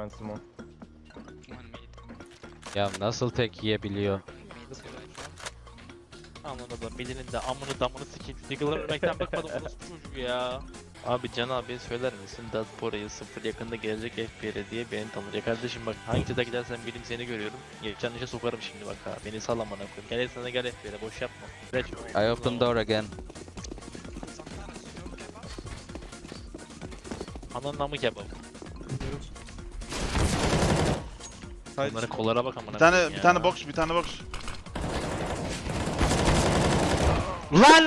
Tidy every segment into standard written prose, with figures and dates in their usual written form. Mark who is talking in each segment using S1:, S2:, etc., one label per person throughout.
S1: ben Simon.
S2: Ya nasıl tek yiyebiliyor?
S3: Anladım. Birinin de amını damını sikeyim. Diggle'ı ölmekten bıkmadım orospu çocuğu ya. Abi Can abi söyler misin? Diaspora'yı 0 yakında gelecek FPR diye beni tanır. Ya kardeşim bak hangi çete gidersen bileyim seni görüyorum. Geçen işe sokarım şimdi bak ha. Beni sallamana koyayım. Gel sana gel FPR'e boş yapma. Geç.
S2: I open door again.
S3: Ananın amı kebap.
S4: Haydi.
S3: Bunların kollara bak amına
S4: Bir tane
S3: koyayım
S4: bir
S3: ya.
S4: tane box, bir tane box.
S3: Lan!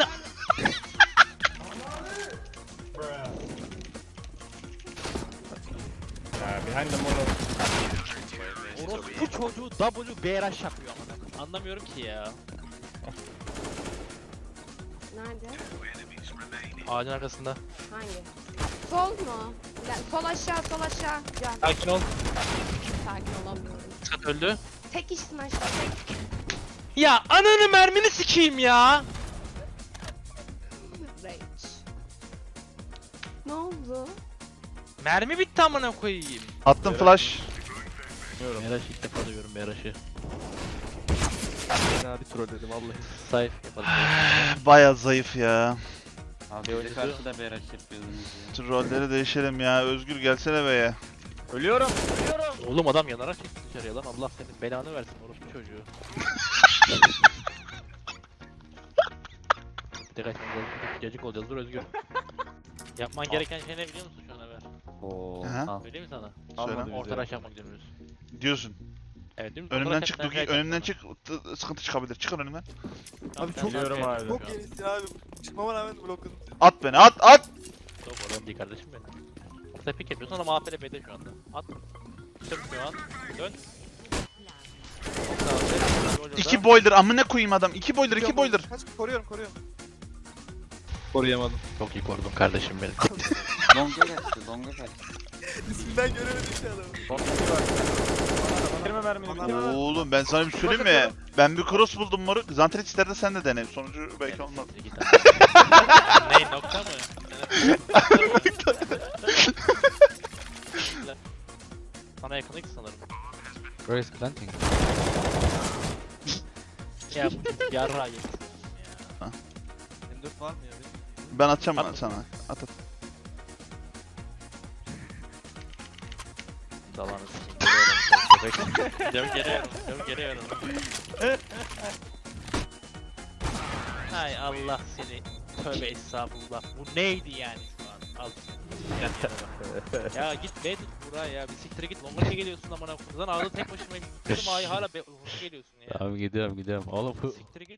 S1: Behind the mono.
S3: Orospu çocuğu WBRH yapıyor amına koyayım. Anlamıyorum ki ya.
S5: Nerede?
S3: Ağacın arkasında.
S5: Hangi? Sol mu? Sol aşağı, sol aşağı. Can.
S3: Sakin ol.
S5: Sakin olamıyorum.
S3: Skat öldü.
S5: Tek işsin aşağı, tek.
S3: Ya ananı mermini sikeyim ya.
S5: Rage. Ne oldu?
S3: Mermi bitti amına koyayım.
S4: Attım flash.
S3: Meraş ilk defa duyuyorum Meraş'ı.
S1: Ben abi trolledim vallahi.
S3: Sayf yapalım.
S4: Baya zayıf ya.
S6: Abi öyle karşıda bir araç yapıyordunuz ya.
S4: Şu rolleri değişelim ya. Özgür gelsene be ya.
S1: Ölüyorum.
S3: Oğlum adam yanarak çıktı dışarıya lan. Allah senin belanı versin orospu çocuğu. Tek açmamız lazım. Gecik olacağız dur Özgür. Yapman gereken şey ne biliyor musun şu an Ömer?
S6: Oo.
S4: Aha.
S6: Al.
S3: Söyleyeyim mi sana?
S4: Söyle.
S3: Orta rush yapmak diyoruz.
S4: Diyorsun.
S3: Evet değil mi?
S4: Önümden çık Dugi, önümden çık. Sıkıntı çıkabilir. Çıkın önümden.
S1: Abi çok
S3: biliyorum
S1: abi.
S4: Çok
S1: yenisin abi. Çıkmama rağmen blokladım.
S4: At beni, at, at.
S3: Yok oradan değil kardeşim benim. Orta pick yapıyorsun ama APL B'de şu anda. At. Çık şu an. Dön.
S4: İki boiler, amına koyayım adam. İki boiler, iki boiler.
S1: Kaç koruyorum.
S4: Koruyamadım.
S3: Çok iyi korudun kardeşim benim.
S6: Longa kaçtı, longa kaçtı.
S1: İsminden göremedim ki adamı. Son bir var. Bitirme mermini bitirme.
S4: Oğlum ben sana bir şey söyleyeyim mi? Ben bir cross buldum moruk. Zanterit ister de sen de dene. Sonucu belki olmaz.
S3: Ney nokta mı? Sana yakınlık sanırım.
S2: Where is planting?
S3: Ya bu yarra yedim.
S1: M4 var mı ya?
S4: Ben atacağım
S3: At.
S4: sana. At at.
S3: Dalanı sikeyim. Geliyorum. Geliyorum. Hay Allah seni. Tövbe estağfurullah. Bu neydi yani şu an? Al. Ya git be tut buraya ya. Bir siktir git. Longa geliyorsun amına koyayım. Lan ağda tek başıma gittim. Ay hala be geliyorsun ya.
S2: Tamam gidiyorum. Oğlum bu
S3: Siktir git.